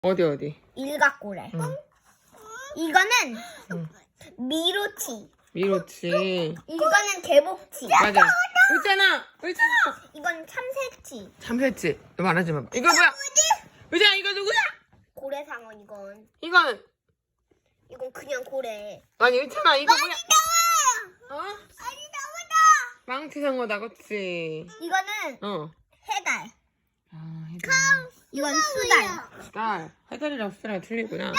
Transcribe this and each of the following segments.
어디? 일각고래. 응. 이거는 응. 미로치. 미로치. 이거는 개복치. 맞아. 의찬아! 이건 참새치. 참새치. 너 말하지 마. 이거 뭐야? 의찬아, 이거 누구야? 고래상어 이건. 이건 그냥 고래. 아니 의찬아, 이거 뭐야? 어? 아니 나오다. 망치상어다, 그치? 이거는 어. 해달. 아, 해달. 이건 수달. 딸. 해달이랑 수달이랑 틀리구나.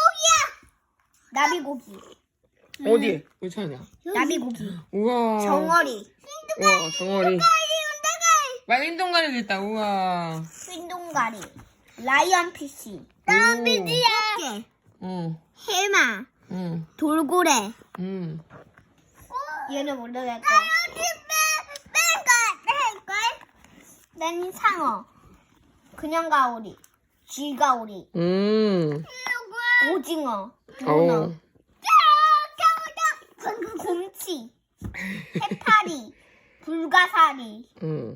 나비고기. 어디? 의찬이야. 나비고기. 우와. 정어리. 우와, 정어리. 말린동가리도 있다, 우와. 흰동가리. 라이언피쉬. 나비지야. 꽃게. 응, 해마. 응, 돌고래. 응. 얘는 모르겠고. 난 상어. 그냥 가오리. 쥐가오리. 오징어. 문어. 어우. 곰치. 해파리. 불가사리. 응.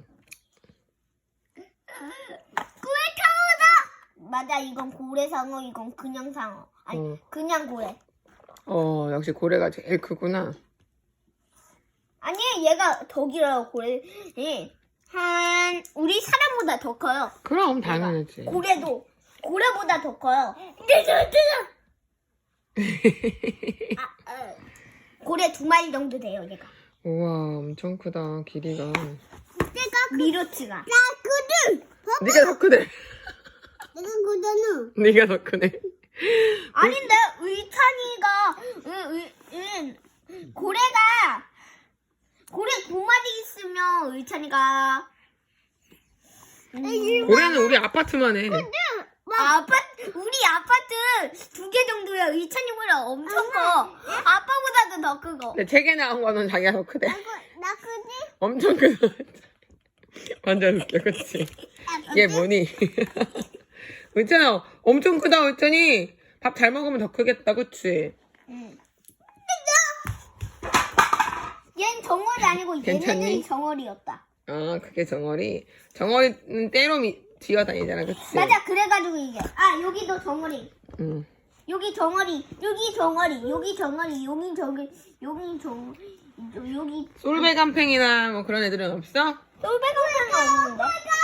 맞아, 이건 고래상어, 이건 그냥 상어. 아니, 응. 그냥 고래. 역시 고래가 제일 크구나. 아니, 얘가 더 길어요, 고래. 우리 사람보다 더 커요. 그럼 당연하지. 고래보다 더 커요. 고래 2마리 정도 돼요, 얘가. 우와, 엄청 크다, 길이가. 미로치가. 네가 더 크네. 내가 그거는. 네가 더 크네. 아닌데, 의찬이가, 고래 2마리 있으면 의찬이가. 고래는 우리 아파트만 해. 우리 아파트 2개 정도야. 의찬이보다 엄청 커. 아빠보다도 더 크고. 근데 책에 나온 거는 자기가 더 크대. 나 크지? 엄청 크다. 완전 웃겨, 그치? 얘 뭐니? 의찬아, 엄청 크다, 의찬이. 밥 잘 먹으면 더 크겠다, 그치? 응. 얘는 정어리 아니고 괜찮니? 얘네들이 정어리였다. 아, 그게 정어리. 정어리는 때로 기어다니잖아, 그치? 맞아, 그래가지고 이게. 여기도 정어리. 응. 여기 정어리, 여기 정어리, 여기 정어리, 여기 여기. 솔배간팽이나 뭐 그런 애들은 없어? 솔배강팽은 없는데?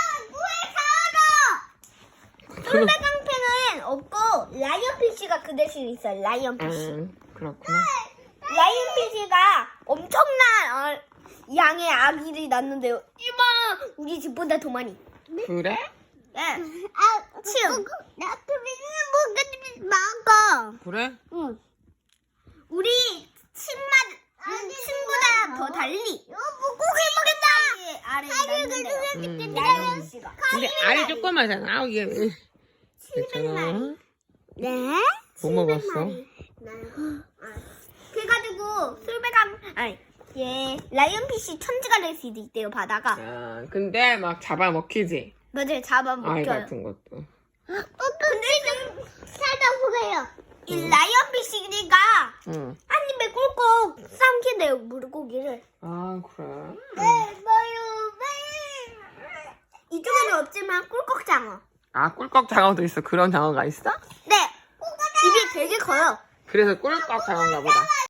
솔배강팽은 없고 라이언피쉬가 그 대신 있어요. 라이언피쉬. 그렇구나. 라이언피쉬가 엄청난 양의 아기를 낳는데요. 이봐, 우리 집보다 더 많이. 그래? 네. 침. 나 그리는 먹어. 그래? 응. 우리 침보다 더 달리. 고기 먹겠다. 알을 낳는데요. 라이언피쉬가. 근데 알이 조그마잖아. 이게. 괜찮아. 네. 뭐 먹었어? 그래가지고 라이언피쉬 천지가 될 수도 있대요, 바다가. 근데 막 잡아먹히지. 맞아요, 알 잡아먹혀요. 같은 것도. 근데 좀 찾아보세요. 이 라이언피쉬가 응. 한 입에 꿀꺽 삼킨대요, 물고기를. 아, 그래? 이쪽에는 없지만 꿀꺽 장어. 아, 꿀꺽 장어도 있어. 그런 장어가 있어? 네. 입이 되게 커요. 그래서 꿀꺽 장어인가 보다.